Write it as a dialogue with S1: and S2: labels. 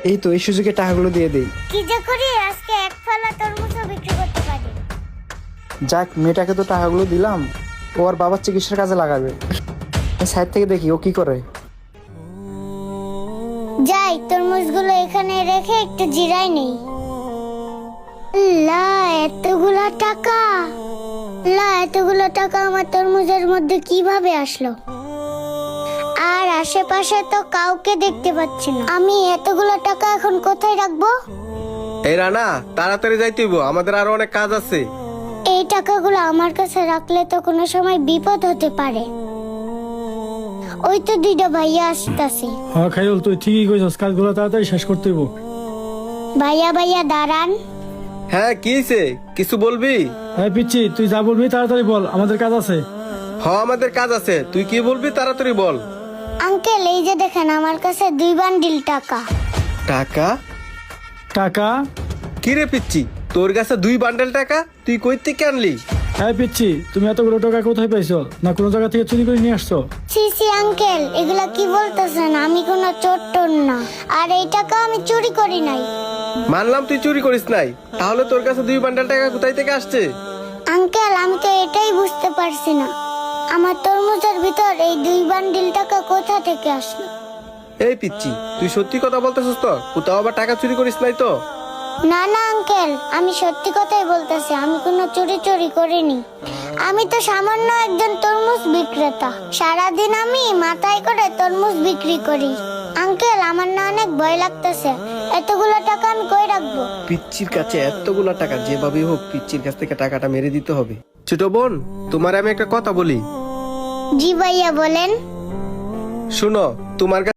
S1: এই তো এই সুযোগে টাকাগুলো দিয়ে দেই।
S2: কি যে করি, আজকে এক ফালা তরমুজও বিক্রি করতে পারি।
S1: যাক, মেয়েটাকে তো টাকাগুলো দিলাম, ও আর বাবার চিকিৎসার কাজে লাগাবে। সাইড থেকে দেখি ও কি করে।
S2: যাই, তরমুজগুলো এখানে রেখে একটু জিরাই নেই। এতগুলা টাকা! এতগুলো টাকা আমার তরমুজের মধ্যে কিভাবে আসলো? আর আশেপাশে তো কাউকে দেখতে পাচ্ছি না। আমি এতগুলো টাকা এখন কোথায় রাখবো?
S3: এই রানা, তাড়াতাড়ি যাইতে হইব, আমাদের আরো অনেক কাজ আছে।
S2: এই টাকাগুলো আমার কাছে রাখলে তো কোনো সময় বিপদ হতে পারে। ওই তো দুইটা ভাইয়া আসতেছে।
S4: হ্যাঁ খাইরুল, তুই ঠিকই কইছস, কাজগুলো তাড়াতাড়ি শেষ করতে হইব।
S2: ভাইয়া দাঁড়ান।
S3: হ্যাঁ, কি হইছে? কিছু বলবি?
S4: হ্যাঁ পিচ্ছি, তুই যা বলবি তাড়াতাড়ি বল, আমাদের কাজ আছে।
S3: আমাদের কাজ আছে, তুই কি বলবি তাড়াতাড়ি বল।
S2: আঙ্কেল, এই যে দেখেন আমার কাছে 2 বান্ডিল টাকা।
S3: টাকা?
S4: টাকা?
S3: কি রে পিচ্ছি, তোর কাছে 2 বান্ডেল টাকা? তুই কই থেকে আনলি?
S4: হ্যাঁ পিচ্ছি, তুমি এতগুলো টাকা কোথায় পাইছো? না কোনো জায়গা থেকে চুরি করে নিয়ে আসছো?
S2: সি আঙ্কেল, এগুলা কি বলতেছেন? আমি কোনো চোর টোর না, আর এই টাকা আমি চুরি করি নাই।
S3: মানলাম তুই চুরি করিস নাই, তাহলে তোর কাছে 2 বান্ডেল টাকা কোথায় থেকে আসছে?
S2: আঙ্কেল, আমি তো এটাই বুঝতে পারছি না, আমার তরমুজের ভিতর এই 2 বান্ডিল টাকা কোথা থেকে আসলো।
S3: এই পিচ্ছি, তুই সত্যি কথা বলতেছিস তো? কোথাও আবার টাকা চুরি করিস নাই তো?
S2: না আঙ্কেল, আমি সত্যি কথাই বলতেছি, আমি কোনো চুরি করিনি। আমি তো সামান্য একজন তরমুজ বিক্রেতা, সারাদিন আমি মাথায় করে তরমুজ বিক্রি করি। আঙ্কেল, আমার না অনেক ভয় লাগতেছে, এতগুলো টাকা আমি কই রাখবো?
S3: পিচ্চির কাছে এতগুলা টাকা, যেভাবেই হোক পিচ্চির কাছ থেকে টাকাটা মেরে দিতে হবে। ছোট বোন, তোমার আমি একটা কথা বলি।
S2: জি ভাইয়া, বলেন।
S3: শুনো, তোমার